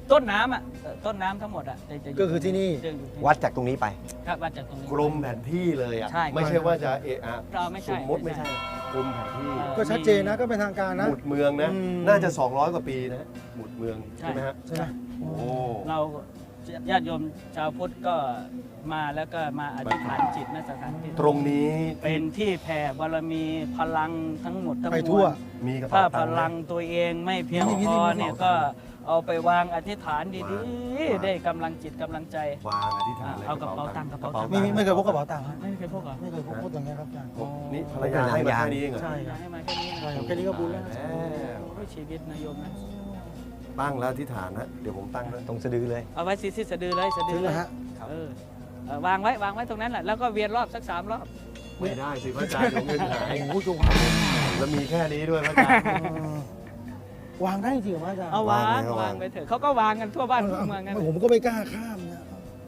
Speaker 3: ต้นน้ำอ่ะเอ่อต้นน้ำทั้งหมดอ่ะจะจะยู่
Speaker 4: ก็คือที่นี่
Speaker 3: จะอยู่ที่
Speaker 2: วัดจากตรงนี้ไป
Speaker 3: ครับวัดจากตรงนี้
Speaker 1: กรมแผนที่เลยอ่ะ
Speaker 3: ใช่
Speaker 1: ไม่ใช่ว่าจะเอะอะ
Speaker 3: เราไม่
Speaker 1: ส
Speaker 3: ใช่
Speaker 1: มมติไม่ใช่กรมแผนที่
Speaker 3: เออ
Speaker 4: ก็ชัดเจนนะก็เป็นทางการนะ
Speaker 1: หมุดเมืองนะ
Speaker 4: อืม
Speaker 1: น่าจะ สองร้อย กว่าปีนะหมุดเมือง
Speaker 3: ใช่
Speaker 1: ใช่ไหมฮะ
Speaker 4: ใช่ไหม
Speaker 1: โอ้
Speaker 3: เราญาติโยมชาวพุทธก็มาแล้วก็มาอธิษฐานจิตณสถานที่
Speaker 1: ตรงนี้
Speaker 3: เป็นที่แผ่บารมีพลังทั้งหมดทั้ง
Speaker 4: ไป
Speaker 3: ม
Speaker 4: ทั่
Speaker 3: ว
Speaker 4: ว
Speaker 3: ล
Speaker 1: มีกระ
Speaker 3: ถ้า
Speaker 1: เป๋า
Speaker 3: พ
Speaker 1: ตังค์ไหม
Speaker 3: ลังตัวเองไม่เพียง
Speaker 4: มีมี
Speaker 3: พอ
Speaker 4: มี
Speaker 3: เนี่ย
Speaker 4: มี
Speaker 3: ก็เอาไปวางอธิษฐานดี
Speaker 1: วาง
Speaker 3: ๆ ได้กำลังจิตกำลังใจ
Speaker 1: วางอธิษฐานเลย
Speaker 3: เอากระเป๋าตังค์กระเป๋าตังค์
Speaker 4: ไม่ไม่เคยพกกระเป๋าตังค์ฮะ
Speaker 3: ไม่เคยพกเหรอ
Speaker 4: ไม่เคยพกพกอย่างเงี้ยครับอาจารย์
Speaker 1: โอ้นี่ภรรยาให้มาแค่นี้เองเหรอ
Speaker 4: ใช่ครับ
Speaker 3: ให้มาแค่นี้นะ
Speaker 4: ใช่ครับแค่นี้ก็บุญแล้วนะ
Speaker 1: แล้ว
Speaker 3: โอ้ยชีวิตนายโยมนะ
Speaker 1: ตั้งแล้วอธิษฐานนะเดี๋ยวผมตั้งด้วย
Speaker 2: ตรงสะดือเลย
Speaker 3: เอาไว้ซีซีสะดือเลยสะดื
Speaker 4: ถึ
Speaker 3: อง เล
Speaker 4: แล้
Speaker 3: ยว
Speaker 4: ฮะ
Speaker 3: เออเออวางไว้วางไว้ตรงนั้นแหละแล้วก็เวียนรอบสักสามรอบ
Speaker 1: ไม่ได้สิพระอาจารย์ลงเงินหาย
Speaker 4: โอ้โห
Speaker 1: แล้วมีแค่นี้ด้วยพระอาจารย์
Speaker 4: วางได้จริงเหรออาจารย์
Speaker 3: เอาวาง
Speaker 1: วางไว้
Speaker 3: วางไปเถอะเขาก็วางกันทั่วบ้านทั่วเมืองกัน
Speaker 4: ผมก็ไม่กล้าข้ามนะ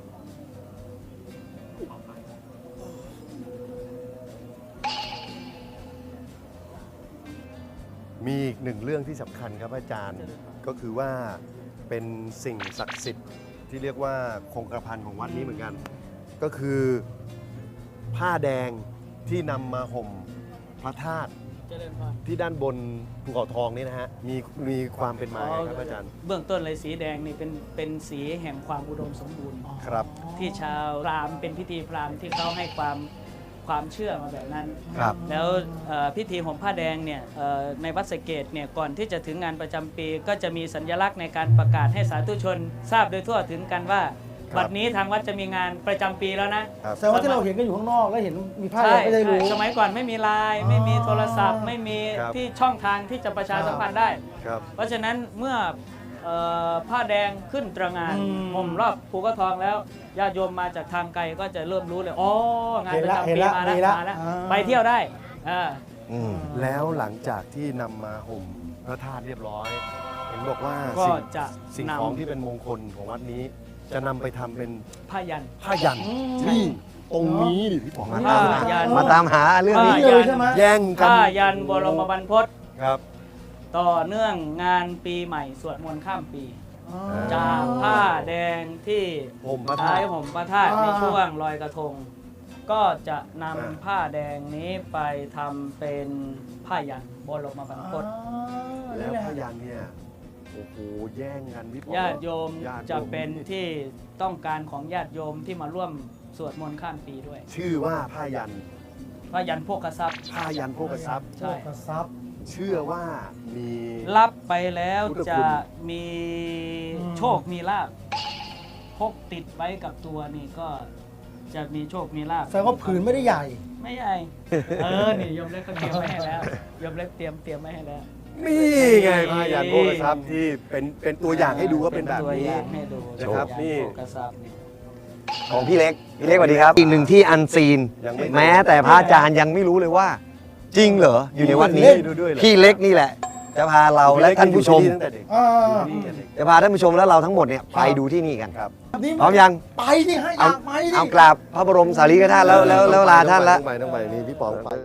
Speaker 1: มีอีกหนึ่งเรื่องที่สำคัญครับอาจารย์ ก็คือว่าเป็นสิ่งศักดิ์สิทธิ์ที่เรียกว่าคงกระพันของวัดนี้เหมือนกัน ก็คือผ้าแดงที่นำมาห่มพระธาตุ
Speaker 3: เจริญพร
Speaker 1: ที่ด้านบนภูเขาทองนี่นะฮะมีมีความเป็นมาไงครับอาจารย์
Speaker 3: เบื้องต้นเลยสีแดงนี่เป็นเป็นสีแห่งความอุดมสมบูรณ์
Speaker 1: ครับ
Speaker 3: ที่ชาวพราหมณ์เป็นพิธีพราหมณ์ที่เขาให้ความความเชื่อมาแบบนั้น
Speaker 2: ครับ
Speaker 3: แล้วเอ่อพิธีห่มผ้าแดงเนี่ยเอ่อในวัดสะเกษเนี่ยก่อนที่จะถึงงานประจำปี ก็จะมีสัญลักษณ์ในการประกาศให้สาธุชน ทราบโดยทั่วถึงกันว่า
Speaker 1: ครับ
Speaker 3: บัดนี้ทางวัดจะมีงานประจำปีแล้วนะครับ
Speaker 4: แสดงว่าที่เราเห็นกันอยู่ข้างนอกแล้วเห็นมีผ้าแด
Speaker 3: ใช่
Speaker 4: งไม่ได้รู้
Speaker 3: ใช่สมัยก่อนไม่มีไลน์
Speaker 4: อ๋อ
Speaker 3: ไม่มีโทรศัพท์ ไม่มี
Speaker 1: ครับ
Speaker 3: ที่ช่องทางที่จะประชาสัมพันธ์ได้
Speaker 1: ครับ
Speaker 3: เพราะฉะนั้นเมื่อเอ่อผ้าแดงขึ้นตระหงาน
Speaker 4: อืม
Speaker 3: ห่มรอบภูเขาทองแล้วญาติโยมมาจากทางไกลก็จะเริ่มรู้เลยอ๋องานประจำ
Speaker 4: เห็น
Speaker 3: ปี
Speaker 4: ละ
Speaker 3: มาแล้ว
Speaker 4: เห็นละ
Speaker 3: มาแล้ว
Speaker 4: อ่า
Speaker 3: ไปเที่ยวได้อ่า
Speaker 2: อืม
Speaker 1: แล้วหลังจากที่นำมาห่มพระธาตุเรียบร้อย เห็นบอกว่า
Speaker 3: ก็
Speaker 1: สิ่ง
Speaker 3: จะ
Speaker 1: สิ่ง
Speaker 3: น
Speaker 1: ของที่เป็นมงคลของวัดนี้ จะนำไปทำเป็น
Speaker 3: ำผ้ายัน
Speaker 1: ผ้ายันนี่ตรงนี้ดิพี่ป๋อง
Speaker 2: มา
Speaker 3: ผ้า
Speaker 2: ตามหา
Speaker 3: ยัน
Speaker 2: มาตามหาเรื่องนี้
Speaker 3: ผ้า
Speaker 4: นี่เลยใช่ไหม
Speaker 1: แย่งกัน
Speaker 3: ผ้ายันบรมบรรพต
Speaker 1: ครับ
Speaker 3: ต่อเนื่องงานปีใหม่สวดมนต์ข้ามปี
Speaker 4: อ๋อ
Speaker 3: จากผ้าแดงที่
Speaker 1: ห่มพระธา
Speaker 3: ใช้
Speaker 1: ตุ
Speaker 3: ห่มพระธาตุ
Speaker 4: อ่า
Speaker 3: ในช่วงลอยกระทง ก็จะนำ
Speaker 1: อ่า
Speaker 3: ผ้าแดงนี้ไปทำเป็นผ้ายันบรมบรรพต
Speaker 1: แล้วพยันเนี่ยโอ้โหแย่งกันพี่ป๋อง
Speaker 3: ญาติโยม
Speaker 1: ญาติโย
Speaker 3: จะเป็นที่ต้องการของญาติโยมที่มาร่วมสวดมนต์ข้ามปีด้วย
Speaker 1: ชื่อว่าผ้ายัน
Speaker 3: พระยันโภคทรัพย์
Speaker 1: ผ้ายันโภคทรัพย์
Speaker 3: ใช่
Speaker 4: กระซับ
Speaker 1: เชื่อว่ามี
Speaker 3: รับไปแล้ว
Speaker 1: พุทธคุณ
Speaker 3: จะมี
Speaker 4: อืม
Speaker 3: โชคมีลาภพกติดไว้กับตัวนี่ก็จะมีโชคมีลาภ
Speaker 4: แสดงว่าผืนไม่ได้ใหญ่
Speaker 3: ไม่ใหญ่เออนี่โยมเล็กก็เตรียมไว้ให้แล้วโยมเล็กเตรียมเตรียมไว้ให้แล้ว
Speaker 1: นี่ไงผ้ายันโภคทรัพย์ที่เป็นเป็นตัวอย่างให้ดูว่าเป็นแบบ
Speaker 3: ตัว
Speaker 1: นี้
Speaker 3: อย่างให้ดู
Speaker 1: นะครับ
Speaker 3: ตัวอย่าง
Speaker 1: นี่
Speaker 3: โภคทรัพย์นี่
Speaker 2: ของพี่เล็ก พี่เล็กสวัสดีครับ อีกหนึ่งที่อันซีน
Speaker 1: ยังไม่
Speaker 2: แม้แต่พระอาจารย์ยังไม่รู้เลยว่า จริงเหรอ อยู่ในวัดนี้
Speaker 1: ดูด้วยเหรอ
Speaker 2: พี่เล็กนี่แหละ จะพาเราและท่านผู้ชม
Speaker 1: อยู่ที่ตั้งแต่เด็ก
Speaker 4: อ่า
Speaker 1: อยู่ที่ตั้งแต่เด็ก
Speaker 2: จะพาท่านผู้ชมและเราทั้งหมดเนี่ยไปดูที่นี่กัน
Speaker 1: ครับ
Speaker 4: นี่
Speaker 2: พร้อมยัง
Speaker 4: ไปดิฮะอยากไปดิ
Speaker 2: เอากราบพระบรมสารีริกธาตุแล้วแล้วแล้วลาท่านละ
Speaker 1: ต้องไปต้องไปนี่พี่ป๋องไป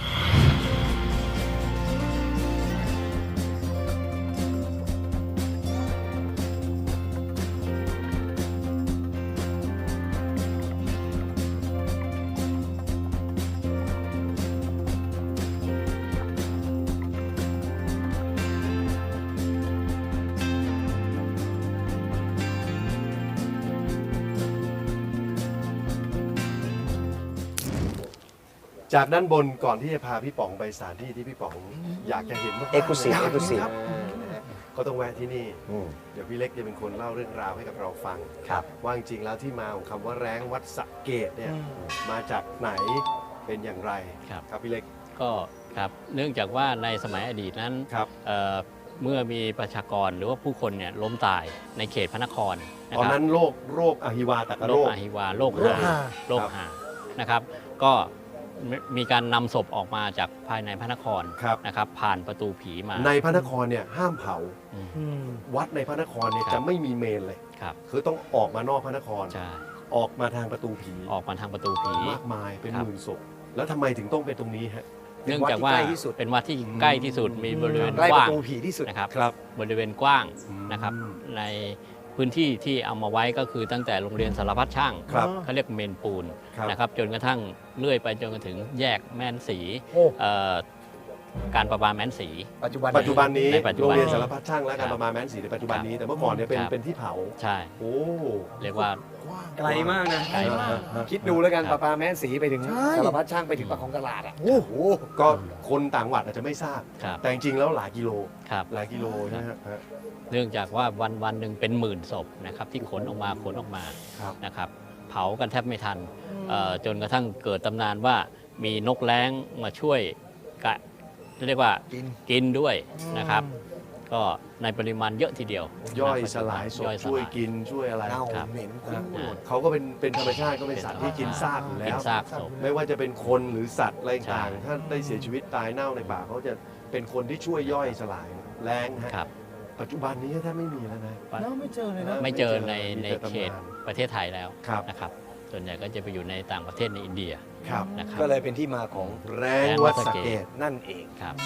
Speaker 1: จากด้านบนก่อนที่จะพาพี่ป๋องไปสถานที่ที่พี่ป๋องอยากจะเห็นมากๆ
Speaker 2: Exclusive
Speaker 1: ลย
Speaker 2: Exclusive
Speaker 1: ครับก็ต้องแวะที่นี่
Speaker 2: อืม
Speaker 1: เดี๋ยวพี่เล็กจะเป็นคนเล่าเรื่องราวให้กับเราฟัง
Speaker 2: ครับ
Speaker 1: ว่าจริงๆแล้วที่มาของคำว่าแร้งวัดสระเกตเนี่ย
Speaker 4: อืม
Speaker 1: มาจากไหนเป็นอย่างไร
Speaker 5: ครับ
Speaker 1: ครับพี่เล็ก
Speaker 5: ก็ครับเนื่องจากว่าในสมัยอดีตนั้น
Speaker 1: ครับ
Speaker 5: เอ่อเมื่อมีประชากรหรือว่าผู้คนเนี่ยล้มตายในเขตพระนครนะ
Speaker 1: ตอน
Speaker 5: ครับ
Speaker 1: นั้นโรคโรคอหิวาตก
Speaker 5: โร
Speaker 1: โร
Speaker 5: ค
Speaker 1: ค
Speaker 5: อหิวาโรค
Speaker 4: โรค
Speaker 5: หา
Speaker 4: หา
Speaker 5: โรคหานะครับ ก็มีมีการนำศพออกมาจากภายในพระนคร
Speaker 1: ครับ
Speaker 5: นะครับ ผ่านประตูผีมา
Speaker 1: ในพระนครเนี่ยห้ามเผา
Speaker 5: อืม
Speaker 4: อืม
Speaker 1: วัดในพระนครเนี่ย
Speaker 5: ครับ
Speaker 1: จะไม่มีเมนเลย
Speaker 5: ครับ
Speaker 1: คือต้องออกมานอกพระนคร
Speaker 5: ใช่
Speaker 1: ออกมาทางประตูผี
Speaker 5: ออกมาทางประตูผี
Speaker 1: มากมายเป็น
Speaker 5: ครั
Speaker 1: ห
Speaker 5: บ
Speaker 1: มื่นศพแล้วทำไมถึงต้องเป็นตรงนี้ฮะ
Speaker 5: เนื่องจากว่า
Speaker 2: เป็นวัดที่ใกล้ที่สุด
Speaker 5: เป็นวัดที่ใกล้ที่สุดมีบริเวณ
Speaker 2: ใกล้
Speaker 5: ก
Speaker 2: ประ
Speaker 5: ว้าง
Speaker 2: ตูผีที่สุด
Speaker 5: นะครับ
Speaker 1: ครับ
Speaker 5: บริเวณกว้าง
Speaker 1: อืม
Speaker 5: นะครับในพื้นที่ที่เอามาไว้ก็คือตั้งแต่โรงเรียนสารพัดช่าง
Speaker 1: ครับ
Speaker 5: เขาเรียกเมนปูน
Speaker 1: ครับ
Speaker 5: นะครับจนกระทั่งเลื่อยไปจนกระถึงแยกแม่นสี
Speaker 4: โอ้
Speaker 5: เอ่อการประปาแม่นสี
Speaker 2: ปัจจุบัน
Speaker 1: ปัจจุบันนี้
Speaker 5: ในปัจจุ
Speaker 1: โร
Speaker 5: บั
Speaker 1: ง
Speaker 5: น
Speaker 1: เรียนสารพัดช่างและการ
Speaker 5: ครับ
Speaker 1: ประมาณแม้นสีในปัจจุบันนี้ แต่เมื่อก่อนเนี่ยเป็น
Speaker 5: ครับ
Speaker 1: เป็นที่เผา
Speaker 5: ใช่
Speaker 1: โอ้
Speaker 5: เรียกว่า
Speaker 2: ไกลมากนะ
Speaker 5: ไกลมาก
Speaker 2: คิดดูแล้วกัน
Speaker 5: ค
Speaker 2: ป
Speaker 5: รับ
Speaker 2: ลาปลาแม่นสีไปถึง
Speaker 4: ใช่
Speaker 2: สารพัดช่างไปถึงปากของตลาดอ่ะ
Speaker 1: โอ้โหก็คนต่างจังหวัดอาจจะไม่ทราบ
Speaker 5: ครับ
Speaker 1: แต่จริงๆแล้วหลายกิโล
Speaker 5: ครับ
Speaker 1: หลายกิโลใช่ไหมฮะฮะ
Speaker 5: เนื่องจากว่าวันวันหนึ่งเป็นหมื่นศพนะครับที่ขนออกมาขนออกมา
Speaker 1: ครับ
Speaker 5: นะครับเผากันแทบไม่ทันเอ่อจนกระทั่งเกิดตำนานว่ามีนกแร้งมาช่วยกะเรียกว่า
Speaker 2: กิน
Speaker 5: กินด้วยนะครับ ก็ในปริมาณเยอะทีเดียว
Speaker 1: ย่อย
Speaker 5: นะ
Speaker 1: สลายศพ
Speaker 5: ย่อ
Speaker 1: ช่วย
Speaker 5: สลา
Speaker 1: กินช่วยอะไร
Speaker 2: เน่า
Speaker 5: ครับ
Speaker 2: เหม็น
Speaker 1: นะ
Speaker 2: คุ้นหมด
Speaker 1: เขาก็เป็นเป็นธรรมชาติก็เป็นสัตว์ที่กินซากอยู่แล้
Speaker 5: กิน
Speaker 1: ว
Speaker 5: ซากศพ
Speaker 1: ไม่ว่าจะเป็นคนหรือสัตว์อะไรต่าง
Speaker 5: ใช่
Speaker 1: ๆถ้าได้เสียชีวิตตายเน่าในป่าเขาจะเป็นคนที่ช่วยย่อยสลายแรงฮะ
Speaker 5: ครับ
Speaker 1: ปัจจุบันนี้แทบไม่มีแล้วนะ
Speaker 4: แล้วไม่เจอเลยนะ
Speaker 5: ไม่เจอใน
Speaker 1: มี
Speaker 5: ใน
Speaker 1: แต่ตำนาน
Speaker 5: เขตประเทศไทยแล้ว
Speaker 1: ครับ
Speaker 5: นะครับ ส่วนใหญ่ก็จะไปอยู่ในต่างประเทศในอินเดีย
Speaker 1: ครับ
Speaker 5: นะครับ
Speaker 2: ก็เลยเป็นที่มาของ
Speaker 1: แรงวัดสะเกด
Speaker 2: นั่นเอง
Speaker 5: ครับ